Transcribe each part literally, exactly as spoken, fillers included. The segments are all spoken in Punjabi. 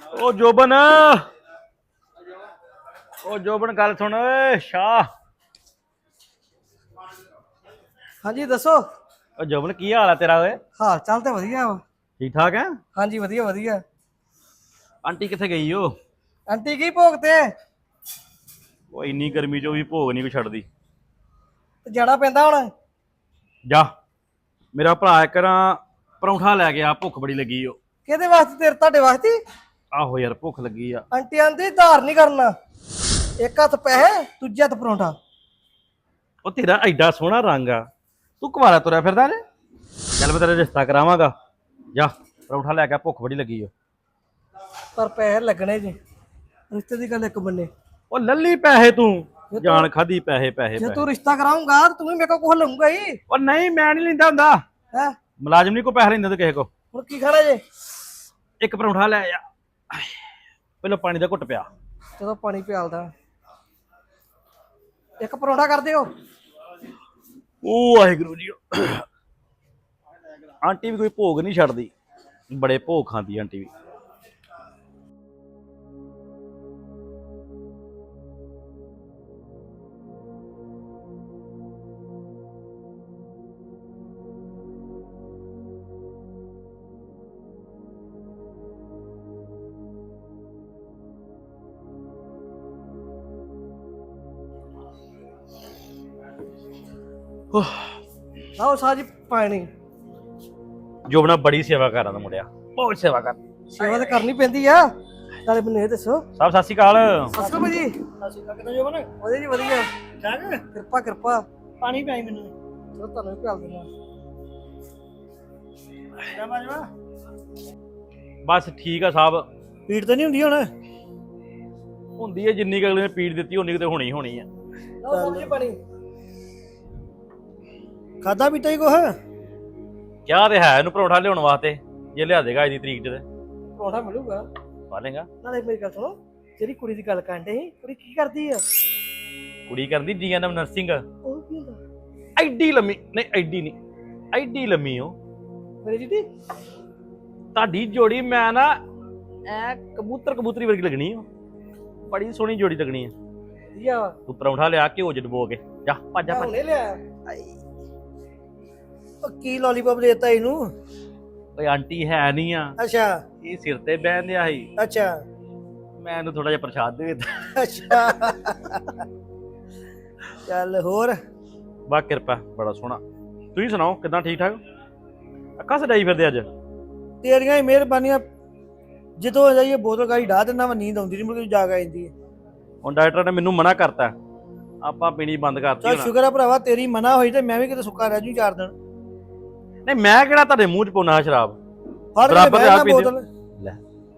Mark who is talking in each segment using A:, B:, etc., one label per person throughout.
A: ओ जोबन ओ जोबन गल सुन शाह।
B: हाँ जी दसो।
A: ओ जोबन की हाल है तेरा ओए?
B: हाल चाल तो वधिया वा।
A: ठीक ठाक है?
B: हाँ जी वधिया वधिया।
A: आंटी किथे गई हो?
B: आंटी की भोग ते
A: ओ इन्नी गर्मी चो भी भोग नहीं कोई छड़दी।
B: ते जाना पैंदा हुण।
A: जा मेरा भरा एक ना परौंठा लै गया, भुख बड़ी लगी हो।
B: किहदे वास्ते तेरे तुहाडे वास्ते?
A: आहो यार भुख लगी आ।
B: आंटी आंदी धार नहीं करना। एक हत्थ पैसे दूजे हत्थ परोंठा।
A: ओ तेरा एडा सोहना रंग आ, तू कुवारा तुरया फिरदा जे? चल मैं तेरा रिश्ता करावांगा। जा परौंठा लै के, भुख बड़ी लगी हो।
B: पर पैसे लगने जी, रिश्ते की गल एक बन्ने।
A: ओ लल्ली पैसे तू,
B: जे तू
A: जान खादी पैसे पैसे
B: जे तू
A: पैसे।
B: रिश्ता कराऊंगा तो तू भी मेरे को कुछ लूंगा ही
A: ओ नहीं मैं नहीं लेंदा हुंदा,
B: है।
A: मुलाजम नहीं को पैसे लेंदा ते किसे को।
B: हुण की खाना जे?
A: एक परौंठा लै आ, पहले पानी दा घुट पिया।
B: चलो पानी प्यालदा। एक परोंठा कर दियो।
A: ओ वाहिगुरू जी। आंटी भी कोई भोग नहीं छड़दी, बड़े भोग खांदी आंटी भी।
B: लाओ साजी पानी।
A: जोबना बड़ी सेवा कर रहा मुंडिया, बहुत सेवा कर।
B: सेवा तो करनी पैंदी आ। नाले मैनूं ये दसो।
A: साहब सत श्री अकाल।
B: सत श्री अकाल जी। सत श्री अकाल किदां जो बने? वधिया जी वधिया। ठीक है? किरपा किरपा। पानी पियाई मैनूं। चलो तुहानूं भी पियाल दिंदा। क्या बाजवा?
A: बस ठीक है साहब।
B: पीड़ तो नहीं हुंदी हुण?
A: हुंदी है जिन्नी अगले ने पीड़ दी उन्नी तो होनी होनी है।
B: लाओ साहब जी पानी। खादा पीता ही कुछ?
A: क्या तो है इहनूं परौंठा लियाउण वास्ते, जे लिया देगा अज दी तरीक च ते
B: परोंठा मिलूगा।
A: पा लेगा।
B: नाले मेरी गल सुनो, जेहड़ी कुड़ी दी गल करन डे ਸੀ ਕੁੜੀ ਕੀ ਕਰਦੀ ਆ?
A: कुड़ी करदी जी एन एम नर्सिंग।
B: ਉਹ ਕੀ ਹੁੰਦਾ?
A: एडी लम्मी नहीं, एडी नहीं, एडी लम्मी हो
B: ਮੇਰੀ ਜੀ
A: ताडी जोड़ी। मैं ना ऐ कबूतर कबूतरी वर्गी लगनी हो, बड़ी सोहनी जोड़ी लगनी है।
B: ਵਧੀਆ ਵਾ।
A: तू परौंठा लिया घ्यो च डबो के, जा भज जा
B: ਮੈਂ
A: भज।
B: ਹੁਣੇ ਲਿਆ। ਉਹ ਕੀ ਲੋਲੀਪੌਪ ਦੇਤਾ ਇਹਨੂੰ?
A: ओए आंटी है नहीं आ,
B: ਅੱਛਾ
A: ये सिर ते बहन दिया ही,
B: ਅੱਛਾ
A: मैं इहनूं थोड़ा जिहा प्रसाद दे दित्ता।
B: ਅੱਛਾ। ਚੱਲ ਹੋਰ?
A: बा किरपा, बड़ा सोहना। तुसीं सुनाओ किदां, ठीक ठाक? अक्खां सजाई फिरदे अज?
B: ਤੇਰੀਆਂ ਹੀ ਮਿਹਰਬਾਨੀਆਂ। ਜਦੋਂ ਜਾਈਏ ਬੋਤਲ ਗਾੜੀ ਢਾ ਦਿੰਦਾ ਵਾ, ਨੀਂਦ ਆਉਂਦੀ ਨਹੀਂ, ਮੁੜ ਕੇ ਜਾਗ ਆ ਜਾਂਦੀ ਹੈ।
A: ਹੁਣ ਡਾਕਟਰ ਨੇ ਮੈਨੂੰ ਮਨਾ ਕਰਤਾ, ਆਪਾਂ ਪੀਣੀ ਬੰਦ ਕਰਤੀ
B: ਚੱਲ
A: ਹੁਣ।
B: ਸ਼ੁਕਰ ਆ ਭਰਾਵਾ ਤੇਰੀ ਮਨਾ ਹੋਈ ਤੇ ਮੈਂ ਵੀ ਕਿਤੇ ਸੁੱਕਾ ਰਹਿ ਜੂ ਚਾਰ ਦਿਨ।
A: ਨਹੀਂ ਮੈਂ ਕਿਹੜਾ ਤੁਹਾਡੇ ਮੂੰਹ 'ਚ ਪਾਉਣਾ ਸ਼ਰਾਬ,
B: ਫੜ ਕੇ
A: ਬਰਾਬਰ
B: ਬਹਿ
A: ਆਪ
B: ਨਾ
A: ਪੀਂਦੇ ਹੋ।
B: ਬੋਤਲ।
A: ਲੈ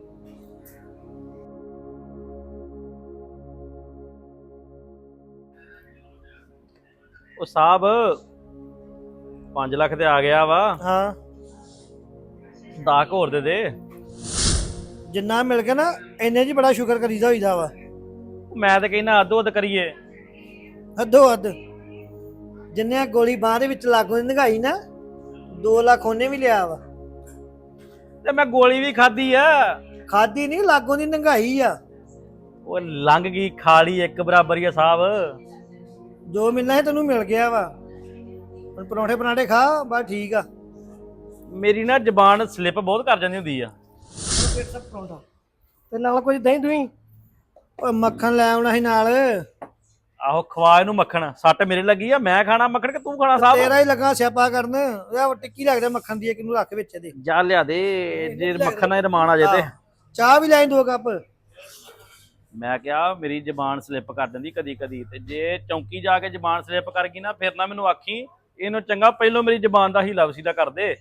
A: ਉਹ ਸਾਹਿਬ ਪੰਜ ਲੱਖ ਤੇ ਆ ਗਿਆ ਵਾ,
B: ਹਾਂ
A: ਦਸ ਕੁ ਹੋਰ ਦੇ ਦੇ।
B: ਜਿੰਨਾ ਮਿਲ ਗਿਆ ਨਾ ਇੰਨੇ ਜੀ ਬੜਾ ਸ਼ੁਕਰ ਕਰੀਦਾ ਹੋਈਦਾ ਵਾ।
A: ਮੈਂ ਤਾਂ ਕਹਿੰਦਾ ਅੱਧੋ ਅੱਧ ਕਰੀਏ।
B: ਹੱਦੋ ਹੱਦ। ਜਿੰਨੇ ਗੋਲੀ ਬਾਹ ਦੇ ਵਿੱਚ ਲਾਗੋਂ ਦੀ ਨਿਗਾਈ ਨਾ, ਦੋ ਲੱਖ ਉਹਨੇ ਵੀ ਲਿਆ ਵਾ।
A: ਤੇ ਮੈਂ ਗੋਲੀ ਵੀ ਖਾਧੀ ਆ।
B: ਖਾਦੀ ਨਹੀਂ, ਲਾਗੋਂ ਦੀ ਨਿਗਾਈ ਆ।
A: ਉਹ ਲੰਘ ਗਈ, ਖਾ ਲਈ, ਇੱਕ ਬਰਾਬਰ ਹੀ ਆ ਸਾਹਿਬ।
B: ਜੋ ਮਿਲਣਾ ਹੈ ਤੈਨੂੰ ਮਿਲ ਗਿਆ ਵਾ। ਹੁਣ ਪਰੌਂਠੇ ਪਰਾਂਠੇ ਖਾ, ਬਸ ਠੀਕ ਆ।
A: ਮੇਰੀ ਨਾ ਜ਼ਬਾਨ ਸਲਿੱਪ ਬਹੁਤ ਕਰ ਜਾਂਦੀ ਹੁੰਦੀ ਆ।
B: ਪਰੌਂਠਾ ਤੇ ਨਾਲ ਕੁਝ ਦਹੀਂ ਦੁਹੀਂ। ਓਏ ਮੱਖਣ ਲੈ ਆਉਣਾ ਸੀ ਨਾਲ।
A: ਆਹੋ ਖਵਾ ਇਹਨੂੰ ਮੱਖਣ, ਸੱਟ ਮੇਰੇ ਲੱਗੀ ਆ। ਮੈਂ ਖਾਣਾ ਮੱਖਣ ਕਿ ਤੂੰ ਖਾਣਾ ਸਾਹਿਬ?
B: ਤੇਰਾ ਹੀ ਲੱਗਾ ਸਿਆਪਾ ਕਰਨ। ਇਹ ਟਿੱਕੀ ਲੱਗਦਾ ਮੱਖਣ ਦੀ, ਕਿਨੂੰ ਰੱਖ ਵਿੱਚ ਇਹਦੇ।
A: ਜਾ ਲਿਆ ਦੇ, ਜੇ ਮੱਖਣ ਨਾਲ ਰਮਾਨ ਆ ਜੇ ਤੇ।
B: ਚਾਹ ਵੀ ਲੈ ਦੋ ਕੱਪ।
A: ਮੈਂ ਕਿਹਾ ਮੇਰੀ ਜ਼ਬਾਨ ਸਲਿੱਪ ਕਰ ਦਿੰਦੀ ਕਦੀ ਕਦੀ, ਤੇ ਜੇ ਚੌਂਕੀ ਜਾ ਕੇ ਜ਼ਬਾਨ ਸਲਿੱਪ ਕਰ ਗਈ ਨਾ, ਫਿਰ ਨਾ ਮੈਨੂੰ ਆਖੀ। ਇਹਨੂੰ ਚੰਗਾ ਪਹਿਲੋਂ ਮੇਰੀ ਜ਼ਬਾਨ ਦਾ ਹੀਲਾ ਵਸੀਲਾ ਕਰ ਦੇ।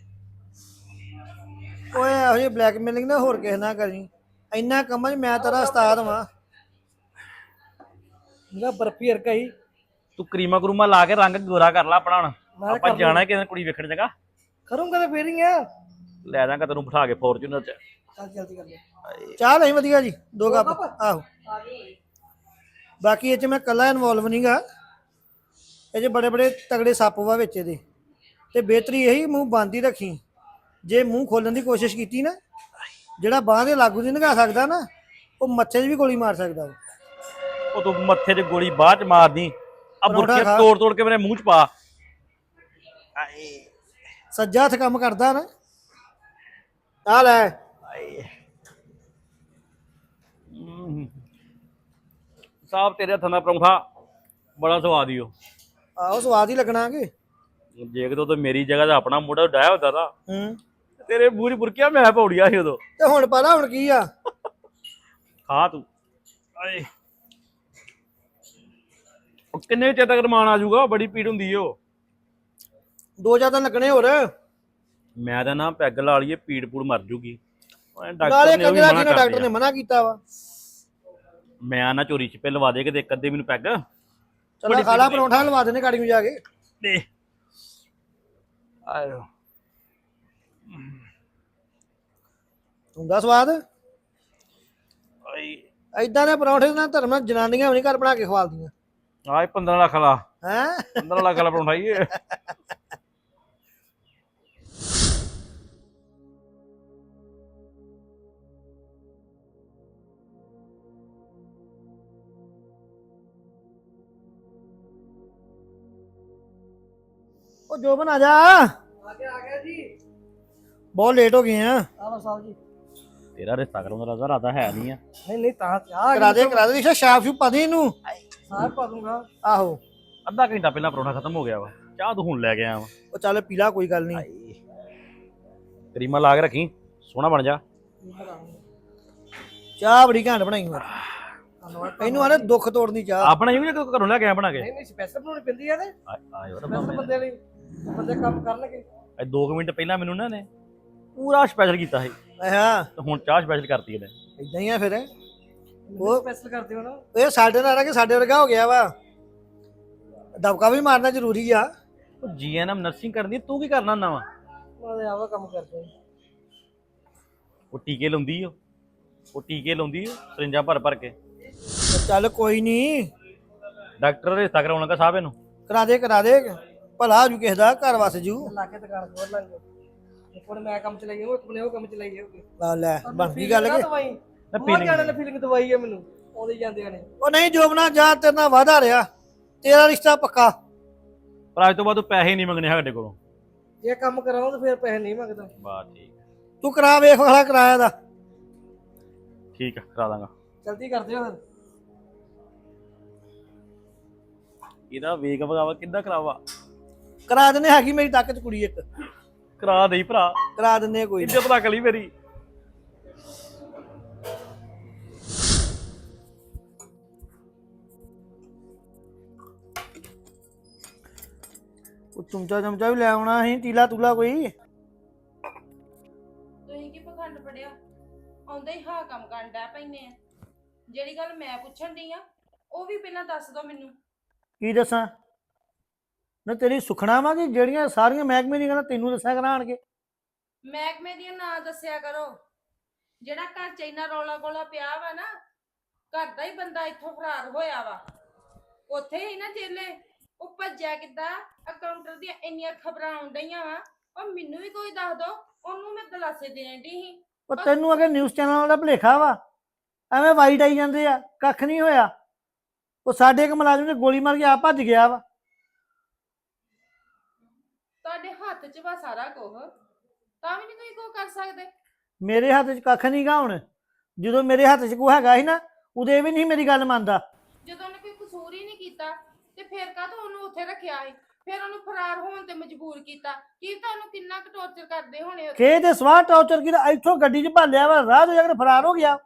B: ਓਏ ਇਹੋ ਜਿਹੀ ਬਲੈਕਮੇਲਿੰਗ ਨਾ ਹੋਰ ਕਿਸੇ ਨਾਲ ਕਰੀ। ਇੰਨਾ ਕੰਮਾਂ 'ਚ ਮੈਂ ਤੇਰਾ ਉਸਤਾਦ ਵਾਂ। ਮੇਰਾ ਬਰਫੀ ਵਰਗਾ ਹੀ।
A: ਤੂੰ ਕਰੀਮਾ ਕਰੂਮਾ ਲਾ ਕੇ ਰੰਗ ਗੋਰਾ ਕਰ ਲਾ ਆਪਣਾ। ਹੁਣ
B: ਮੈਂ
A: ਆਪਾਂ
B: ਕਰ
A: ਜਾਣਾ ਕਿਸੇ ਕੁੜੀ ਵੇਖਣ ਜਗਾ।
B: ਕਰੂੰਗਾ ਤੇ ਫੇਰ ਹੀ ਆ।
A: ਲੈ ਜਾਗਾ ਤੈਨੂੰ ਬਿਠਾ ਕੇ ਫੋਰਚੂਨਰ ਚ।
B: ਚੱਲ ਜਲਦੀ ਕਰ ਲੈ। ਚਾਹ ਨਹੀਂ ਵਧੀਆ ਜੀ, ਦੋ ਕੱਪ। ਆਹੋ ਬਾਕੀ ਇਹ 'ਚ ਮੈਂ ਕੱਲਾ ਇਨਵੋਲਵ ਨਹੀਂਗਾ। ਇਹ 'ਚ ਬੜੇ ਬੜੇ ਤਗੜੇ ਸੱਪ ਵਾ ਵਿੱਚ ਇਹਦੇ। ਤੇ ਬਿਹਤਰੀ ਇਹੀ ਮੂੰਹ ਬੰਦ ਹੀ ਰੱਖੀ। ਜੇ ਮੂੰਹ ਖੋਲਣ ਦੀ ਕੋਸ਼ਿਸ਼ ਕੀਤੀ ਨਾ, ਜਿਹੜਾ ਬਾਹ ਦੇ ਲਾਗੂ ਨਹੀਂ ਲੰਘਾ ਸਕਦਾ ਨਾ ਉਹ ਮੱਥੇ 'ਚ ਵੀ ਗੋਲੀ ਮਾਰ ਸਕਦਾ ਵਾ।
A: ਉਹ ਤੂੰ ਮੱਥੇ 'ਚ ਗੋਲੀ ਬਾਅਦ 'ਚ ਮਾਰਦੀ ਆ,
B: ਪਰੌਂਠਾ
A: ਬੁਰਕੀਆਂ
B: ਖਾ।
A: ਤੋੜ ਤੋੜ ਕੇ ਮੇਰੇ ਮੂੰਹ 'ਚ ਪਾ।
B: ਸੱਜਾ ਹੱਥ ਕੰਮ ਕਰਦਾ ਨਾ। ਆ ਲੈ
A: ਸਾਹਿਬ ਤੇਰੇ ਹੱਥਾਂ ਦਾ ਪਰੌਂਠਾ ਬੜਾ ਸਵਾਦ ਹੀ ਉਹ।
B: ਆਹੋ ਸਵਾਦ ਹੀ ਲੱਗਣਾ ਕਿ।
A: ਜੇ ਕਿਤੇ ਉਦੋਂ ਮੇਰੀ ਜਗ੍ਹਾ ਤੇ ਆਪਣਾ ਮੁੰਡਾ ਡਾਇਆ ਹੁੰਦਾ ਤਾਂ
B: ਹੂੰ
A: ਤੇਰੇ ਮੂੰਹ 'ਚ ਬੁਰਕੀਆਂ ਮੈਂ ਪੌੜੀਆਂ ਸੀ ਉਦੋਂ।
B: ਤੇ ਹੁਣ ਪਤਾ ਹੁਣ ਕੀ ਆ।
A: ਖਾ ਤੂੰ। ਆਏ ਉਹ ਕਿੰਨੇ ਚਿਰ ਤੱਕ ਰਮਾਨ ਆ ਜਾਊਗਾ? ਬੜੀ ਪੀੜ ਹੁੰਦੀ ਓ।
B: ਦੋ ਚਾਰ ਦਿਨ ਲੱਗਣੇ ਹੋਰ।
A: ਮੈਂ ਤਾਂ ਨਾ ਪੈਗ ਲਾ ਲਈਏ, ਪੀੜ ਪੂੜ ਮਰ ਜੂਗੀ।
B: ਨਾਲੇ ਕੰਜਰਾ ਕਿਹਨੇ ਡਾਕਟਰ ਨੇ ਮਨਾ ਕੀਤਾ ਵਾ।
A: ਮੈਂ ਨਾ ਚੋਰੀ ਛਿਪੇ ਲਵਾ ਦੇ ਕਿਤੇ ਇੱਕ ਅੱਧੇ ਮੈਨੂੰ ਪੈਗ।
B: ਚਲੋ ਖਾਲਾ ਪਰੌਂਠਾ ਲਵਾ ਦੇਣੇ ਗਾੜੀ ਨੂੰ ਜਾ ਕੇ।
A: ਦੇ ਆਇਓ
B: ਹੁੰਦਾ ਸਵਾਦ।
A: ਆਈ
B: ਏਦਾਂ ਦੇ ਪਰੌਂਠੇ ਨਾਲ ਧਰਮ ਨਾਲ ਜਨਾਨੀਆਂ ਵੀ ਨਹੀਂ ਘਰ ਬਣਾ ਕੇ ਖਵਾਲਦੀਆਂ।
A: ਆਏ ਪੰਦਰਾਂ ਲੱਖ ਵਾਲਾ
B: ਹੈ
A: ਪੰਦਰਾਂ ਲੱਖ ਵਾਲਾ ਪਰੌਂਠਾ ਹੀ।
B: ਉਹ ਜੋ ਬਣਾ ਜਾ। ਆ ਗਿਆ ਆ ਗਿਆ ਜੀ। ਬਹੁਤ ਲੇਟ ਹੋ ਗਏ ਆ। ਆਵਾ ਸਾਹਿਬ ਜੀ
A: ਤੇਰਾ ਰਿਸ਼ਤਾ ਕਰਾਉਣ ਦਾ ਰਾਦਾ ਹੈ ਨਹੀਂ ਆ।
B: ਨਹੀਂ ਨਹੀਂ ਤਾਂ ਚਾਹ ਕਰਾ ਦੇ ਕਰਾ ਦੇ ਰਿਸ਼ਾ ਸ਼ਾਪ ਸ਼ੂ ਪਾ ਦੇ ਇਹਨੂੰ। ਸਾਹ ਪਾ ਦੂੰਗਾ। ਆਹੋ
A: ਅੱਧਾ ਘੰਟਾ ਪਹਿਲਾਂ ਪਰੌਂਠਾ ਖਤਮ ਹੋ ਗਿਆ ਵਾ। ਚਾਹ ਤੂੰ ਹੁਣ ਲੈ ਕੇ ਆਇਆ ਵਾ।
B: ਉਹ ਚੱਲ ਪੀਲਾ ਕੋਈ ਗੱਲ ਨਹੀਂ।
A: ਕਰੀਮਾ ਲਾ ਕੇ ਰੱਖੀ, ਸੋਹਣਾ ਬਣ ਜਾ।
B: ਚਾਹ ਬੜੀ ਘੈਂਟ ਬਣਾਈ ਮੈਂ। ਇਹਨੂੰ ਆਨੇ ਦੁੱਖ ਤੋੜਨ ਦੀ ਚਾਹ।
A: ਆ ਬਣਾਈ ਵੀ ਜਾਂ ਘਰੋਂ ਲੈ ਕੇ ਆਇਆ ਬਣਾ ਕੇ?
B: ਨਹੀਂ ਨਹੀਂ ਸਪੈਸ਼ਲ ਬਣਾਉਣੀ ਪੈਂਦੀ ਆ ਤੇ
A: ਆਇਓ
B: ਸਪੈਸ਼ਲ ਬੰਦੇ ਲਈ ਬੰਦੇ ਕੰਮ ਕਰਨਗੇ।
A: ਇਹ ਦੋ ਕੁ ਮਿੰਟ ਪਹਿਲਾਂ ਮੈਨੂੰ ਨਾ ਨੇ ਪੂਰਾ ਸਪੈਸ਼ਲ ਕੀਤਾ ਸੀ
B: ਹਾਂ
A: ਤੇ ਹੁਣ ਚਾਹ ਸਪੈਸ਼ਲ ਕਰਤੀ ਇਹਨੇ।
B: ਇਦਾਂ ਹੀ ਆ ਫਿਰ। ਉਹ ਸਪੈਸ਼ਲ ਕਰਦੇ ਹੋ ਨਾ। ਇਹ ਸਾਡੇ ਨਾਲ ਆ ਕੇ ਸਾਡੇ ਵਰਗਾ ਹੋ ਗਿਆ ਵਾ। ਦਬਕਾ ਵੀ ਮਾਰਨਾ ਜ਼ਰੂਰੀ ਆ।
A: ਉਹ ਜੀਐਨਐਮ ਨਰਸਿੰਗ ਕਰਨੀ, ਤੂੰ ਕੀ ਕਰਨਾ ਹੁੰਦਾ ਵਾ?
B: ਮੈਂ ਤੇ ਆਵਾ ਕੰਮ ਕਰਦੇ।
A: ਉਹ ਟੀਕੇ ਲਾਉਂਦੀ ਓ, ਉਹ ਟੀਕੇ ਲਾਉਂਦੀ ਓ ਸਰਿੰਜਾਂ ਭਰ ਭਰ ਕੇ।
B: ਚੱਲ ਕੋਈ ਨਹੀਂ
A: ਡਾਕਟਰ ਰਿਸ਼ਤਾ ਕਰਾਉਣ ਲੱਗਾ ਸਾਹਿਬ ਇਹਨੂੰ।
B: ਕਰਾ ਦੇ ਕਰਾ ਦੇ ਭਲਾ ਜੂ ਕਿਸੇ ਦਾ ਘਰ ਵਸ ਜੂ। ਲਾ ਕੇ ਦੁਕਾਨ ਖੋਲ ਲਾਂਗੇ। ਇੱਕ ਵਾਰ ਮੈਂ ਕੰਮ ਚਲਾਈ ਉਹ ਇੱਕ ਬਲੇ ਉਹ ਕੰਮ ਚਲਾਈ ਜਾਊਗੀ। ਲਾ ਲੈ ਬਣ ਗਈ ਗੱਲ ਕਿ ਮੈਂ ਫੀਲਿੰਗ ਜਾਣ ਫੀਲਿੰਗ ਦਵਾਈ ਹੈ ਮੈਨੂੰ ਆਉਂਦੇ ਜਾਂਦੇ ਨੇ। ਉਹ ਨਹੀਂ ਜੋਬਨਾ ਜਾ ਤੇਰੇ ਨਾਲ ਵਾਦਾ ਰਿਹਾ ਤੇਰਾ ਰਿਸ਼ਤਾ ਪੱਕਾ।
A: ਪਰ ਅੱਜ ਤੋਂ ਬਾਅਦ ਤੂੰ ਪੈਸੇ ਨਹੀਂ ਮੰਗਣੇ ਸਾਡੇ ਕੋਲੋਂ।
B: ਜੇ ਕੰਮ ਕਰਾਉਂ ਤਾਂ ਫਿਰ ਪੈਸੇ ਨਹੀਂ ਮੰਗਦਾ।
A: ਬਾ ਠੀਕ
B: ਤੂੰ ਕਰਾ ਵੇਖ ਵਾਲਾ ਕਿਰਾਇਆ ਦਾ।
A: ਠੀਕ ਆ ਕਰਾ ਦਾਂਗਾ।
B: ਜਲਦੀ ਕਰ ਦਿਓ ਫਿਰ।
A: ਇਹਦਾ ਵੇਗ ਵਗਾਵਾ ਕਿੱਦਾਂ ਕਰਾਵਾ?
B: ਕਰਾ ਦਿੰਦੇ ਹੈਗੀ ਮੇਰੀ ਤੱਕ ਚ ਕੁੜੀ ਇੱਕ।
A: ਕਰਾ ਦੇਈ ਭਰਾ,
B: ਕਰਾ ਦਿੰਦੇ ਕੋਈ
A: ਇੱਜ਼ਤ ਰੱਖ ਲਈ ਮੇਰੀ।
B: ਉਹ ਚਮਚਾ ਚਮਚਾ ਵੀ ਲੈ ਆਉਣਾ ਸੀ ਤੀਲਾ ਤੂਲਾ ਕੋਈ।
C: ਤੁਸੀਂ ਕੀ ਪਖੰਡ ਪੜਿਆ? ਆਉਂਦਾ ਹੀ ਹਾਂ ਕੰਮ ਕਰਨ ਡੈ ਪੈਨੇ ਆ। ਜਿਹੜੀ ਗੱਲ ਮੈਂ ਪੁੱਛਣ ਡਈ ਆ ਉਹ ਵੀ ਪਹਿਲਾਂ ਦੱਸ ਦੋ ਮੈਨੂੰ।
B: ਕੀ ਦੱਸਾਂ ਨਾ ਤੇਰੀ ਸੁਖਣਾ ਵਾ ਕਿ ਜਿਹੜੀਆਂ ਸਾਰੀਆਂ ਮਹਿਕਮੇ ਦੀਆਂ ਗੱਲਾਂ ਤੈਨੂੰ ਦੱਸਿਆ ਕਰਾਂਗੇ।
C: ਮਹਿਕਮੇ ਦੀਆਂ ਨਾਂ ਦੱਸਿਆ ਕਰੋ। ਜਿਹੜਾ ਘਰ ਚ ਇੰਨਾ ਰੌਲਾ ਗੋਲਾ ਪਿਆ ਵਾ ਨਾ, ਘਰ ਦਾ ਹੀ ਬੰਦਾ ਇੱਥੋਂ ਫਰਾਰ ਹੋਇਆ ਵਾ। ਉੱਥੇ ਹੀ ਨਾ ਜੇਲੇ ਉਹ ਭੱਜਿਆ ਕਿੱਦਾਂ? ਅਕਾਊਂਟਰ ਦੀਆਂ ਇੰਨੀਆਂ ਖਬਰਾਂ ਆਉਣ ਡਈਆਂ ਵਾ। ਉਹ ਮੈਨੂੰ ਵੀ ਕੋਈ ਦੱਸ ਦੋ, ਉਹਨੂੰ ਮੈਂ ਦਲਾਸੇ ਦੇਣ ਡਈ ਸੀ।
B: ਉਹ ਤੈਨੂੰ ਅਗੇ ਨਿਊਜ਼ ਚੈਨਲ ਦਾ ਭੁਲੇਖਾ ਵਾ। ਐਵੇਂ ਵਾਈਟ ਆਈ ਜਾਂਦੇ ਆ, ਕੱਖ ਨਹੀਂ ਹੋਇਆ। ਉਹ ਸਾਡੇ ਇੱਕ ਮੁਲਾਜ਼ਮ ਨੇ ਗੋਲੀ ਮਾਰ ਕੇ ਆ ਭੱਜ ਗਿਆ ਵਾ।
C: ਤੁਹਾਡੇ ਹੱਥ 'ਚ ਵਾ ਸਾਰਾ ਕੁਝ, ਤਾਂ ਵੀ ਨਹੀਂ ਤੁਸੀਂ ਕੁਝ ਕਰ ਸਕਦੇ।
B: ਮੇਰੇ ਹੱਥ 'ਚ ਕੱਖ ਨਹੀਂ ਗਾ ਹੁਣ। ਜਦੋਂ ਮੇਰੇ ਹੱਥ 'ਚ ਕੋਈ ਹੈਗਾ ਸੀ ਨਾ ਉਦੋਂ ਇਹ ਵੀ ਨਹੀਂ ਮੇਰੀ ਗੱਲ ਮੰਨਦਾ।
C: ਜਦੋਂ ਉਹਨੇ ਕੋਈ ਕਸੂਰ ਹੀ ਨਹੀਂ ਕੀਤਾ ਤੇ ਫਿਰ ਕਾਹਤੋਂ ਉਹਨੂੰ ਉੱਥੇ ਰੱਖਿਆ ਸੀ? ਫਿਰ ਉਹਨੂੰ ਫਰਾਰ ਹੋਣ ਤੇ ਮਜਬੂਰ ਕੀਤਾ। ਕੀ ਤੁਹਾਨੂੰ ਕਿੰਨਾ ਕੁ ਟੌਰਚਰ ਕਰਦੇ ਹੋਣੇ?
B: ਖੇ ਦੇ ਸਵਾਹ ਟੌਰਚਰ ਕੀਤਾ, ਇੱਥੋਂ ਗੱਡੀ 'ਚ ਭਾਲਿਆ ਵਾ, ਰਾਹ ਤੋਂ ਜਾ ਕੇ ਫਰਾਰ ਹੋ ਗਿਆ।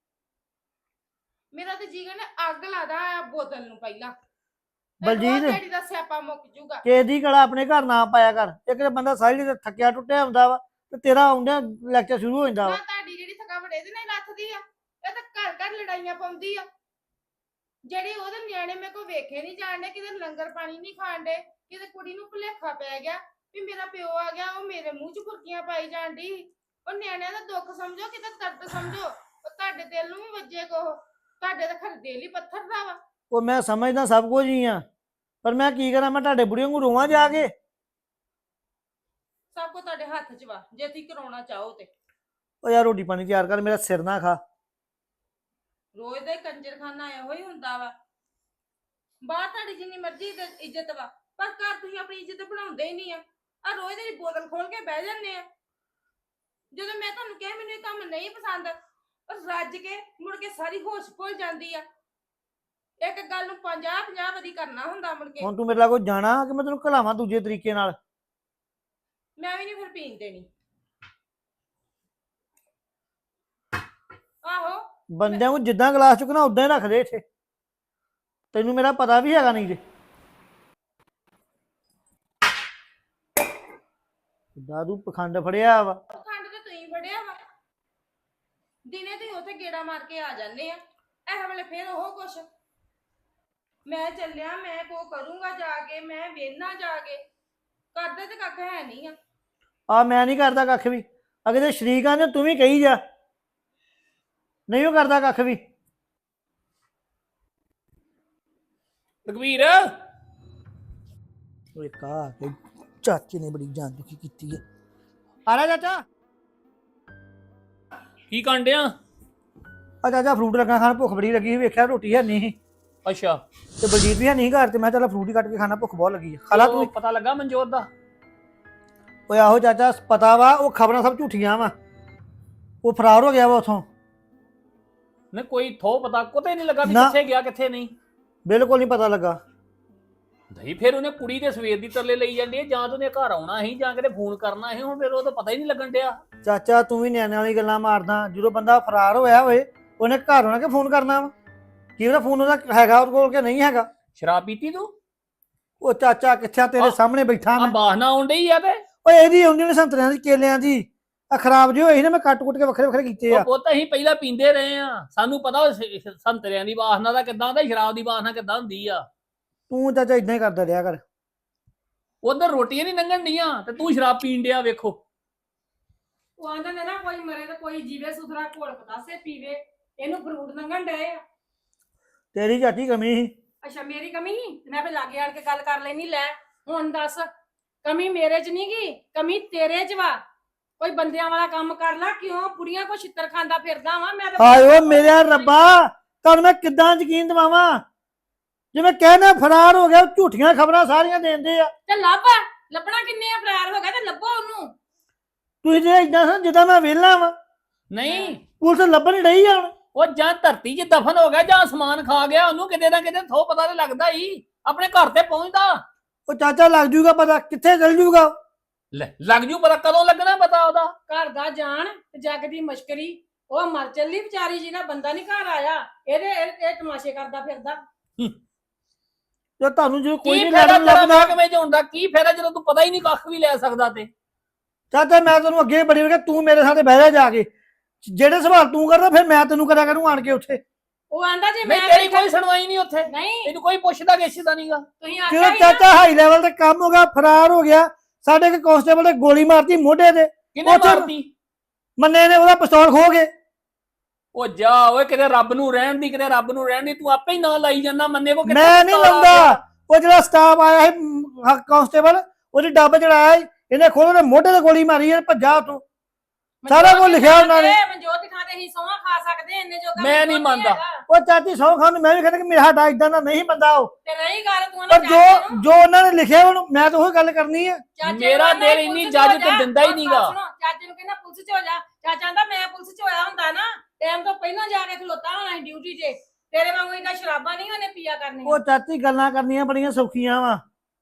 C: ਮੇਰਾ ਤੇ ਜੀਗਰ ਨੇ ਅੱਗ ਲਾਦਾ ਆ ਬੋਤਲ ਨੂੰ ਪਹਿਲਾਂ।
B: ਬਲਜੀਤ
C: ਡੈਡੀ ਦਾ ਸਿਆਪਾ ਮੁੱਕ ਜੂਗਾ।
B: ਕਿਸੇ ਦੀ ਗਲਾ ਆਪਣੇ ਘਰ ਨਾ ਪਾਇਆ ਕਰ। ਇੱਕ ਤਾਂ ਬੰਦਾ ਸਾਰੀ ਦਿਨ ਥੱਕਿਆ ਟੁੱਟਿਆ ਹੁੰਦਾ ਵਾ ਤੇ ਤੇਰਾ ਆਉਂਦਿਆਂ ਲੈਕਚਰ ਸ਼ੁਰੂ ਹੋ ਜਾਂਦਾ ਵਾ।
C: ਨਾ ਤੁਹਾਡੀ ਜਿਹੜੀ ਥਕਾਵਟ ਇਹਦੇ ਨਾਲ ਲੱਥਦੀ ਆ। ਇਹ ਤਾਂ ਘਰ ਘਰ ਲੜਾਈਆਂ ਪਾਉਂਦੀ ਆ। ਜਿਹੜੇ ਉਹਦੇ ਨਿਆਣੇ ਮੇਰੇ ਕੋਲ ਵੇਖੇ ਨਹੀਂ ਜਾਣਦੇ, ਕਿਤੇ ਲੰਗਰ ਪਾਣੀ ਨਹੀਂ ਖਾਣਦੇ, ਕਿਤੇ ਕੁੜੀ ਨੂੰ ਭੁਲੇਖਾ ਪੈ ਗਿਆ ਵੀ ਮੇਰਾ ਪਿਓ ਆ ਗਿਆ, ਉਹ ਮੇਰੇ ਮੂੰਹ 'ਚ ਫੁਰਕੀਆਂ ਪਾਈ ਜਾਂਦੀ। ਉਹ ਨਿਆਣਿਆਂ ਦਾ ਦੁੱਖ ਸਮਝੋ, ਕਿਤੇ ਦਰਦ ਸਮਝੋ। ਉਹ ਤੁਹਾਡੇ ਦਿਲ ਨੂੰ ਵੀ ਵੱਜੇ ਕੋ, ਤੁਹਾਡੇ ਤਾਂ ਖਰ ਦਿਲ ਹੀ ਪੱਥਰ ਦਾ ਵਾ।
B: ਉਹ ਮੈਂ ਸਮਝਦਾ ਸਭ ਕੁਝ ਹੀ ਆ, ਪਰ ਮੈਂ ਕੀ ਕਰਾਂ? ਮੈਂ ਤੁਹਾਡੇ ਬੁੜੀਆਂ ਨੂੰ ਰੋਵਾਂ ਜਾ ਕੇ?
C: ਸਭ ਕੁਝ ਤੁਹਾਡੇ ਹੱਥ 'ਚ ਵਾ ਜੇ ਤੁਸੀਂ ਕਰਾਉਣਾ ਚਾਹੋ ਤੇ।
B: ਉਹ ਯਾਰ ਰੋਟੀ ਪਾਣੀ ਤਿਆਰ ਕਰ, ਮੇਰਾ ਸਿਰ ਨਾ ਖਾ।
C: ਰੋਜ਼ ਦਾ ਹੀ ਕੰਜਰਖਾਨਾ ਇਹੋ ਹੀ ਹੁੰਦਾ ਵਾ। ਬਾਹਰ ਤੁਹਾਡੀ ਜਿੰਨੀ ਮਰਜ਼ੀ ਇੱਜ਼ਤ ਇੱਜ਼ਤ ਵਾ, ਪਰ ਘਰ ਤੁਸੀਂ ਆਪਣੀ ਇੱਜ਼ਤ ਬਣਾਉਂਦੇ ਹੀ ਨਹੀਂ ਆ। ਆ ਰੋਜ਼ ਦੀ ਬੋਤਲ ਖੋਲ ਕੇ ਬਹਿ ਜਾਂਦੇ ਆ। ਜਦੋਂ ਮੈਂ ਤੁਹਾਨੂੰ ਕਿਹਾ ਮੈਨੂੰ ਇਹ ਕੰਮ ਨਹੀਂ ਪਸੰਦ, ਪਰ ਰੱਜ ਕੇ ਮੁੜ ਕੇ ਸਾਰੀ ਹੋਸ਼ ਭੁੱਲ ਜਾਂਦੀ ਆ। ਇੱਕ ਗੱਲ ਨੂੰ ਪੰਜਾਹ ਪੰਜਾਹ ਵਾਰੀ ਕਰਨਾ ਹੁੰਦਾ ਮੁੜ ਕੇ।
B: ਹੁਣ ਤੂੰ ਮੇਰੇ ਨਾਲ ਕੋਈ ਜਾਣਾ ਕਿ ਮੈਂ ਤੈਨੂੰ ਘਲਾਵਾਂ ਦੂਜੇ ਤਰੀਕੇ ਨਾਲ?
C: ਮੈਂ ਵੀ ਨਹੀਂ ਫਿਰ ਪੀਣ ਦੇਣੀ। ਆਹੋ
B: ਬੰਦਿਆਂ ਨੂੰ ਜਿੱਦਾਂ ਗਲਾਸ ਚੁੱਕਣਾ ਉਦਾਂ ਹੀ ਰੱਖ ਦੇ ਇੱਥੇ, ਤੈਨੂੰ ਮੇਰਾ ਪਤਾ ਵੀ ਹੈਗਾ ਨਹੀਂ ਜੇ। ਕਿੱਦਾਂ ਤੂੰ ਪਖੰਡ ਫੜਿਆ ਵਾ।
C: ਖੰਡ ਤੇ ਤੁਸੀਂ ਫੜਿਆ ਵਾ। ਦਿਨੇ ਤੁਸੀਂ ਉੱਥੇ ਗੇੜਾ ਮਾਰ ਕੇ ਆ ਜਾਂਦੇ ਆ, ਇਹ ਵੇਲੇ ਫੇਰ ਉਹ ਕੁਛ। ਮੈਂ ਚੱਲਿਆ, ਮੈਂ ਕੋ ਕਰੂੰਗਾ ਜਾ ਕੇ, ਮੈਂ ਵੇਖਣਾ ਜਾ ਕੇ। ਕਰਦੇ ਤੇ ਕੱਖ ਹੈ ਨਹੀਂ ਆ।
B: ਆ ਮੈਂ ਨਹੀਂ ਕਰਦਾ ਕੱਖ ਵੀ। ਅਗੇ ਤੇ ਸ਼ਰੀਕਾਂ ਨੇ ਤੂੰ ਵੀ ਕਹੀ ਜਾ, ਨਹੀਂ ਉਹ ਕਰਦਾ ਕੱਖ ਵੀ।
D: ਲਖਵੀਰ
B: ਓਏ ਕਾ ਕੇ ਚਾਚੇ ਨੇ ਬੜੀ ਜਾਨ ਦੁਖੀ ਕੀਤੀ ਹੈ। ਆ ਲੈ ਚਾਚਾ।
D: ਕੀ ਕਾਂਡਿਆ?
B: ਆ ਚਾਚਾ ਫਰੂਟ ਲੱਗਾ ਖਾਣ, ਭੁੱਖ ਬੜੀ ਲੱਗੀ ਸੀ, ਵੇਖਿਆ ਰੋਟੀ ਹੈ ਨਹੀਂ
D: ਅੱਛਾ
B: ਤੇ ਬਲਜੀਤ ਵੀ ਹੈ ਨਹੀਂ ਘਰ, ਤੇ ਮੈਂ ਚੱਲ ਫਰੂਟ ਹੀ ਕੱਟ ਕੇ ਖਾਣਾ, ਭੁੱਖ ਬਹੁਤ ਲੱਗੀ ਹੈ। ਖਾਲਾ ਤੂੰ।
D: ਪਤਾ ਲੱਗਾ ਮਨਜੋਤ ਦਾ?
B: ਓਏ ਆਹੋ ਚਾਚਾ ਪਤਾ ਵਾ, ਉਹ ਖਬਰਾਂ ਸਭ ਝੂਠੀਆਂ ਵਾ, ਉਹ ਫਰਾਰ ਹੋ ਗਿਆ ਵਾ ਉਥੋਂ।
D: ਨਹੀਂ ਕੋਈ ਥੋ ਪਤਾ ਕੋਤੇ ਨਹੀਂ ਲੱਗਾ ਵੀ
B: ਨਾ।
D: ਕਿੱਥੇ ਗਿਆ ਕਿੱਥੇ ਨਹੀਂ?
B: ਬਿਲਕੁਲ ਨਹੀਂ ਪਤਾ ਲੱਗਾ।
D: ਨਹੀਂ ਫਿਰ ਉਹਨੇ ਕੁੜੀ ਦੇ ਸਵੇਰ ਦੀ ਤਰਲੇ ਲਈ ਜਾਂਦੀ ਹੈ, ਜਾਂ ਤਾਂ ਉਹਨੇ ਘਰ ਆਉਣਾ ਸੀ ਜਾਂ ਕਿਤੇ ਫੋਨ ਕਰਨਾ ਸੀ। ਹੁਣ ਫਿਰ ਉਹ ਤਾਂ ਪਤਾ ਹੀ ਨਹੀਂ ਲੱਗਣ ਡਿਆ।
B: ਚਾਚਾ ਤੂੰ ਵੀ ਨਿਆਣਿਆਂ ਵਾਲੀ ਗੱਲਾਂ ਮਾਰਦਾ। ਜਦੋਂ ਬੰਦਾ ਫਰਾਰ ਹੋਇਆ ਹੋਏ ਉਹਨੇ ਘਰ ਆਉਣਾ ਕਿ ਫੋਨ ਕਰਨਾ ਵਾ? ਕੀ ਉਹਦਾ ਫੋਨ ਉਹਦਾ ਹੈਗਾ ਉਹਦੇ ਕੋਲ ਕਿ ਨਹੀਂ ਹੈਗਾ?
D: ਸ਼ਰਾਬ ਪੀਤੀ ਤੂੰ?
B: ਉਹ ਚਾਚਾ ਕਿੱਥੇ ਤੇਰੇ ਸਾਹਮਣੇ ਬੈਠਾ
D: ਆ
B: ਮੈਂ।
D: ਬਾਹਨਾ ਆਉਣ ਡਈ ਆ ਤੇ
B: ਓਏ ਇਹਦੀ ਆਉਂਦੀ ਨੇ ਸੰਤਰਿਆਂ ਦੀ, ਕੇਲਿਆਂ ਦੀ। ਆ ਖਰਾਬ ਜਿਹੇ ਹੋਏ ਸੀ ਨਾ, ਮੈਂ ਕੱਟ ਕੁੱਟ ਕੇ ਵੱਖਰੇ ਵੱਖਰੇ ਕੀਤੇ ਆ।
D: ਉਹ ਪੁੱਤ ਅਸੀਂ ਪਹਿਲਾਂ ਪੀਂਦੇ ਰਹੇ ਆ, ਸਾਨੂੰ ਪਤਾ ਉਹ ਸ- ਸੰਤਰਿਆਂ ਦੀ ਵਾਸਨਾ ਦਾ ਕਿੱਦਾਂ ਹੁੰਦਾ, ਸ਼ਰਾਬ ਦੀ ਵਾਸਨਾ ਕਿੱਦਾਂ ਹੁੰਦੀ ਆ।
B: ਤੂੰ ਚਾਚਾ ਇਦਾਂ ਹੀ ਕਰਦਾ ਰਿਹਾ ਕਰ।
D: ਉਧਰ ਰੋਟੀਆਂ ਨਹੀਂ ਲੰਘਣ ਡੀਆਂ ਤੇ ਤੂੰ ਸ਼ਰਾਬ ਪੀਣ ਡਿਆ। ਵੇਖੋ
E: ਉਹ ਆਂਦਾ ਨੇ ਨਾ ਕੋਈ ਮਰੇ ਤੇ ਕੋਈ ਜੀਵੇ, ਸੁਥਰਾ ਘੋਲ ਪਤਾਸੇ ਪੀਵੇ। ਇਹਨੂੰ ਫਰੂਟ ਲੰਘਣ ਡਏ ਆ।
B: ਤੇਰੀ ਚਾਚੀ ਕਮੀ ਸੀ।
E: ਅੱਛਾ ਮੇਰੀ ਕਮੀ ਸੀ ਤੇ ਮੈਂ ਫੇ ਲਾਗੇ ਆਣ ਕੇ ਗੱਲ ਕਰ ਲੈਣੀ। ਲੈ ਹੁਣ ਦੱਸ, ਕਮੀ ਮੇਰੇ 'ਚ ਨਹੀਂ ਗੀ, ਕਮੀ ਤੇਰੇ 'ਚ ਵਾ। ਕੋਈ ਬੰਦਿਆਂ ਵਾਲਾ ਕੰਮ ਕਰ ਲੈ। ਕਿਉਂ ਕੁੜੀਆਂ ਕੋ ਛਿੱਤਰ ਖਾਂਦਾ ਫਿਰਦਾ ਵਾ? ਮੈਂ ਤਾਂ
B: ਹਾਏ ਓ ਮੇਰੇ ਰੱਬਾ, ਤੁਹਾਨੂੰ ਮੈਂ ਕਿੱਦਾਂ ਯਕੀਨ ਦਿਵਾਵਾਂ? ਜਿਵੇਂ ਕਹਿਣਾ ਫਰਾਰ ਹੋ ਗਿਆ, ਝੂਠੀਆਂ ਖਬਰਾਂ ਸਾਰੀਆਂ ਦੇਂਦੇ ਆ।
E: ਤੇ ਲੱਭ, ਲੱਭਣਾ ਕਿੰਨੇ ਆ? ਫਰਾਰ ਹੋ ਗਿਆ ਤੇ ਲੱਭੋ ਉਹਨੂੰ।
B: ਤੁਸੀਂ ਜੇ ਇਦਾਂ ਸਨ ਜਿੱਦਾਂ ਮੈਂ ਵਿਹਲਾ ਵਾਂ।
D: ਨਹੀਂ
B: ਪੁਲਿਸ ਲੱਭਣ ਡਈ ਆ ਹੁਣ।
D: ਉਹ ਜਾਂ ਧਰਤੀ 'ਚ ਦਫਨ ਹੋ ਗਿਆ ਜਾਂ ਅਸਮਾਨ ਖਾ ਗਿਆ। ਉਹਨੂੰ ਕਿਤੇ ਨਾ ਕਿਤੇ ਥੋ ਪਤਾ ਤੇ ਲੱਗਦਾ ਹੀ, ਆਪਣੇ ਘਰ ਤੇ ਪਹੁੰਚਦਾ।
B: ਉਹ ਚਾਚਾ ਲੱਗ ਜੂਗਾ ਪਤਾ, ਕਿੱਥੇ ਚਲ ਜੂਗਾ?
D: ਲੈ ਲੱਗ ਜੂ ਪਤਾ, ਕਦੋਂ ਲੱਗਣਾ ਪਤਾ ਉਹਦਾ?
E: ਘਰ ਦਾ ਜਾਣ ਤੇ ਜੱਗ ਦੀ ਮਸ਼ਕਰੀ। ਉਹ ਮਰ ਚੱਲੀ ਵਿਚਾਰੀ, ਜਿਹਦਾ ਬੰਦਾ ਨਹੀਂ ਘਰ ਆਇਆ। ਇਹਦੇ ਇਹ ਇਹ ਤਮਾਸ਼ੇ ਕਰਦਾ ਫਿਰਦਾ।
B: ਜੇ ਤੁਹਾਨੂੰ ਜੇ ਕੋਈ
D: ਕੀ
B: ਨਹੀਂ
D: ਫਾਇਦਾ
B: ਲੜਨ
D: ਤੇਰਾ
B: ਲੱਭਦਾ।
D: ਮਹਿਕਮੇ 'ਚ ਹੁੰਦਾ? ਕੀ ਫਾਇਦਾ ਜਦੋਂ ਤੂੰ ਪਤਾ ਹੀ ਨਹੀਂ ਕੱਖ ਵੀ ਲੈ ਸਕਦਾ? ਤੇ
B: ਚਾਚਾ ਮੈਂ ਤੈਨੂੰ ਅੱਗੇ ਬੜੀ ਵਾਰ, ਤੂੰ ਮੇਰੇ ਸਾਥੇ ਬਹਿ ਜਾ ਜਾ ਕੇ। ਜਿਹੜੇ ਸਵਾਲ ਤੂੰ ਕਰਦਾ ਫਿਰ ਮੈਂ ਤੈਨੂੰ ਕਰਿਆ ਕਰੂੰ ਆਣ ਕੇ ਉੱਥੇ।
E: ਉਹ ਆਂਦਾ ਜੇ
D: ਨਹੀਂ
E: ਮੈਂ
D: ਤੇਰੀ ਕੋਈ ਸੁਣਵਾਈ ਨਹੀਂ ਉੱਥੇ,
E: ਨਹੀਂ
D: ਤੈਨੂੰ ਕੋਈ ਪੁੱਛਦਾ ਗਿੱਛਦਾ ਨਹੀਂਗਾ।
E: ਤੁਸੀਂ
B: ਕਿਉਂ
E: ਆਖਿਆ ਸੀ ਨਾ,
B: ਚਾਚਾ ਹਾਈ ਲੈਵਲ ਤੇ ਕੰਮ ਹੋ ਗਿਆ, ਫਰਾਰ ਹੋ ਗਿਆ। ਸਾਡੇ ਇੱਕ ਕਾਂਸਟੇਬਲ ਨੇ ਗੋਲੀ ਮਾਰਤੀ ਮੋਢੇ ਤੇ,
D: ਕਿਹਨੇ
B: ਉੱਥੇ-
D: ਮਾਰਤੀ?
B: ਮੰਨੇ ਨੇ ਉਹਦਾ ਪਿਸਤੌਲ ਖੋ ਗਏ।
D: ਉਹ ਜਾ ਓਏ, ਕਿਤੇ ਰੱਬ ਨੂੰ ਰਹਿਣ ਦੀ, ਕਿਤੇ ਰੱਬ ਨੂੰ ਰਹਿਣ ਦੀ। ਤੂੰ ਆਪੇ ਹੀ ਨਾਂ ਲਾਈ ਜਾਂਦਾ। ਮੰਨੇ ਕੋ
B: ਮੈਂ ਨਹੀਂ ਲਾਉਂਦਾ। ਉਹ ਜਿਹੜਾ ਸਟਾਫ ਆਇਆ ਸੀ ਕਾਂਸਟੇਬਲ, ਉਹਦੀ ਡੱਬ ਚੜਾਇਆ ਸੀ, ਇਹਨੇ ਖੋਲ ਕੇ ਮੋਢੇ ਤੇ ਗੋਲੀ ਮਾਰੀ, ਇਹ ਭੱਜਾ ਉੱਥੋਂ। ਸਾਰਾ ਕੁਝ ਲਿਖਿਆ ਉਹਨਾਂ ਨੇ।
E: ਮਨਜੋਤ ਥਾਂ ਤੇ ਅਸੀਂ ਸੌਂਹਾਂ ਖਾ ਸਕਦੇ ਇੰਨੇ ਜੋਗਾ
D: ਮੈਂ
E: ਮਨਜੋਤ
D: ਨਹੀਂ
E: ਨੀ
D: ਮੰਨਦਾ।
E: ਹੈਗਾ।
B: ਉਹ ਚਾਚੀ ਸੌ ਖਾਨ ਨੂੰ ਮੈਂ ਵੀ ਕਹਿੰਦਾ ਕਿ ਮੇਰਾ ਸਾਡਾ ਇਦਾਂ ਦਾ ਨਹੀਂ ਬੰਦਾ ਉਹ।
E: ਤੇ ਰਹੀ ਗੱਲ ਤੂੰ
B: ਪਰ ਜੋ ਜੋ ਉਹਨਾਂ ਨੇ ਲਿਖਿਆ ਉਹਨੂੰ ਮੈਂ ਤਾਂ ਉਹੀ ਗੱਲ ਕਰਨੀ ਹੈ।
D: ਮੇਰਾ ਦਿਲ ਇੰਨੀ ਇਜਾਜ਼ਤ ਦਿੰਦਾ ਹੀ ਨਹੀਂਗਾ।
E: ਚਾਚੇ ਨੂੰ ਕਹਿੰਦਾ ਪੁਲਿਸ 'ਚ ਹੋ ਜਾ। ਚਾਚਾ ਕਹਿੰਦਾ ਮੈਂ ਪੁਲਿਸ 'ਚ ਹੋਇਆ ਹੁੰਦਾ ਨਾ, ਟਾਈਮ ਤੋਂ ਪਹਿਲਾਂ ਜਾ ਕੇ ਖਲੋਤਾ ਹੋਣਾ ਸੀ ਡਿਊਟੀ 'ਤੇ। ਤੇਰੇ ਵਾਂਗੂ ਇਹਦਾ ਸ਼ਰਾਬਾਂ ਨਹੀਂ ਉਹਨੇ ਪੀਆ ਕਰਨੀਆਂ।
B: ਉਹ ਚਾਚੀ ਗੱਲਾਂ ਕਰਨੀਆਂ ਬੜੀਆਂ ਸੌਖੀਆਂ ਵਾ,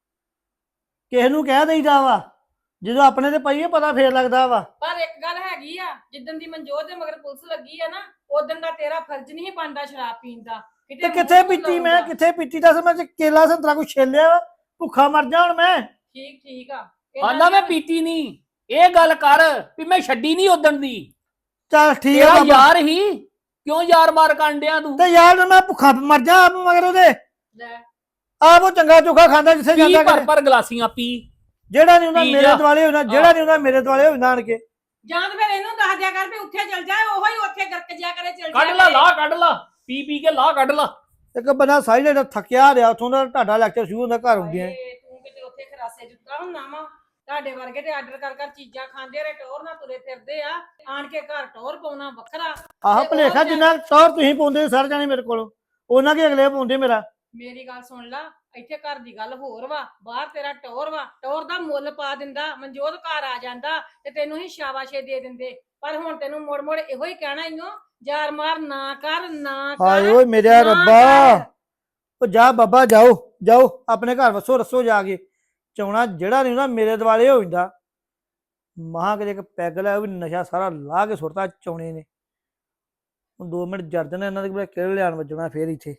B: ਕਿਸੇ ਨੂੰ ਕਹਿ ਦੇਈਦਾ ਵਾ, ਜਦੋਂ ਆਪਣੇ ਤੇ ਪਈਏ ਪਤਾ ਫੇਰ ਲੱਗਦਾ ਵਾ।
E: ਪਰ ਇੱਕ ਗੱਲ ਹੈਗੀ ਆ, ਜਿੱਦਣ ਦੀ ਮਨਜੋਤ ਦੇ ਮਗਰ ਪੁਲਿਸ ਲੱਗੀ ਆ ਨਾ, ਉਦੋਂ ਦਾ ਤੇਰਾ ਫਰਜ਼ ਨਹੀਂ ਬਣਦਾ ਸ਼ਰਾਬ ਪੀਣ ਦਾ।
B: ਤੇ ਕਿੱਥੇ ਪੀਤੀ ਮੈਂ, ਕਿੱਥੇ ਪੀਤੀ ਦੱਸ? ਮੈਂ ਜੇ ਕੇਲਾ ਸੰਤਰਾ ਕੋਈ ਛੇਲਿਆ ਵਾ, ਭੁੱਖਾ ਮਰ ਜਾ ਹੁਣ ਮੈਂ।
E: ਠੀਕ ਠੀਕ ਆ।
D: ਆਂਦਾ ਮੈਂ ਪੀਤੀ ਨਹੀਂ। ਇਹ ਗੱਲ ਕਰ ਵੀ ਮੈਂ ਛੱਡੀ ਨਹੀਂ ਉਦਣ ਦੀ।
B: ਚੱਲ ਠੀਕ
D: ਤੇਰਾ
B: ਆ
D: ਯਾਰ ਹੀ, ਕਿਉਂ ਯਾਰ ਮਾਰ ਕਾਂਡਿਆ ਤੂੰ?
B: ਤੇ ਯਾਰ ਮੈਂ ਭੁੱਖਾ ਮਰ ਜਾ ਆਪ ਮਗਰ ਉਹਦੇ।
E: ਲੈ
B: ਆਪ ਉਹ ਚੰਗਾ ਚੋਖਾ ਖਾਂਦਾ ਜਿੱਥੇ
D: ਪੀ
B: ਜਾਂਦਾ
D: ਭਰ
B: ਕਰੇ।
D: ਭਰ ਗਲਾਸੀਆਂ ਪੀ।
B: ਜਿਹੜਾ ਨਹੀਂ ਹੁੰਦਾ
D: ਪੀ
B: ਮੇਰੇ
D: ਜਾ।
B: ਦੁਆਲੇ ਹੁੰਦਾ, ਜਿਹੜਾ ਨਹੀਂ ਹੁੰਦਾ ਮੇਰੇ ਦੁਆਲੇ ਹੁੰਦਾ ਆਣ ਕੇ।
E: ਜਾਂ ਤਾਂ ਫਿਰ ਇਹਨੂੰ ਦੱਸ ਦਿਆ ਕਰ ਵੀ ਉੱਥੇ ਚੱਲ ਜਾ, ਉਹੋ ਹੀ ਉੱਥੇ ਗਰਕ ਜਿਆ ਕਰੇ, ਚੱਲ ਜਾ
D: ਕੱਢ ਲਾ ਲਾ ਕੱਢ ਲਾ, ਪੀ ਪੀ ਕੇ ਲਾ ਕੱਢ ਲਾ।
B: ਇੱਕ ਬੰਦਾ ਸਾਰੀ ਜਿਹੜਾ ਥੱਕਿਆ ਰਿਹਾ, ਉੱਥੋਂ ਦਾ ਤੁਹਾਡਾ ਲੈਕਚਰ ਸ਼ੁਰੂ ਹੁੰਦਾ ਘਰ ਹੁੰਦਿਆਂ।
E: ਹਾਏ, ਤੂੰ ਕਿਤੇ ਉੱਥੇ ਖਰਾਸੇ ਜੁੱਤਾ ਹੁੰਨਾ ਵਾ। ਤੁਹਾਡੇ ਵਰਗੇ ਤੇ ਆਰਡਰ ਕਰ ਕਰ ਚੀਜ਼ਾਂ ਖਾਂਦੇ ਰਹੇ ਟੌਰ ਨਾਲ ਤੁਰੇ ਫਿਰਦੇ ਆ ਆਣ ਕੇ ਘਰ ਟੌਰ ਪਾਉਣਾ ਵੱਖਰਾ
B: ਆਹ
E: ਤੇ ਉਹ
B: ਭਲੇਖਾ
E: ਵਿਚਾਰੇ-
B: ਜਿੰਨਾ ਟੌਰ ਤੁਸੀਂ ਪਾਉਂਦੇ ਸਰ ਜਾਣੇ ਮੇਰੇ ਕੋਲੋਂ ਉਹਨਾਂ ਕੀ ਅਗਲੇ ਪਾਉਂਦੇ ਮੇਰਾ।
E: ਮੇਰੀ ਗੱਲ ਸੁਣ ਲਾ ਇੱਥੇ ਘਰ ਦੀ ਗੱਲ ਹੋਰ ਵਾ ਬਾਹਰ ਤੇਰਾ ਟੌਰ ਵਾ ਟੌਰ ਦਾ ਮੁੱਲ ਪਾ ਦਿੰਦਾ ਮਨਜੋਤ ਘਰ ਆ ਜਾਂਦਾ ਤੇ ਤੈਨੂੰ ਹੀ ਸ਼ਾਬਾਸ਼ੇ ਦੇ ਦਿੰਦੇ ਪਰ ਹੁਣ ਤੈਨੂੰ ਮੁੜ ਮੁੜ ਇਹੋ ਹੀ ਕਹਿਣਾ ਈਓ ਯਾਰ ਮਾਰ ਨਾ ਕਰ ਨਾ
B: ਹਾਏ
E: ਕਰ
B: ਓਏ ਮੇਰੇ
E: ਨਾ
B: ਰੱਬਾ
E: ਕਰ।
B: ਉਹ ਜਾ ਬਾਬਾ ਜਾਓ ਜਾਓ ਆਪਣੇ ਘਰ ਵਸੋ ਰਸੋ ਜਾ ਕੇ ਚਾਉਣਾ ਜਿਹੜਾ ਨਹੀਂ ਨਾ ਮੇਰੇ ਦੁਆਲੇ ਹੋ ਜਾਂਦਾ ਮਹਾਂ ਕਿਤੇ ਇੱਕ ਪੈਗ ਲਿਆ ਉਹ ਵੀ ਨਸ਼ਾ ਸਾਰਾ ਲਾ ਕੇ ਸੁੱਟਤਾ ਚੌਣੇ ਨੇ ਹੁਣ ਦੋ ਮਿੰਟ ਜਰ ਜਾਣਾ ਇਹਨਾਂ ਦੇ ਕਿਹੜੇ ਲਿਆਣ ਵੱਜਣਾ ਫੇਰ ਇੱਥੇ।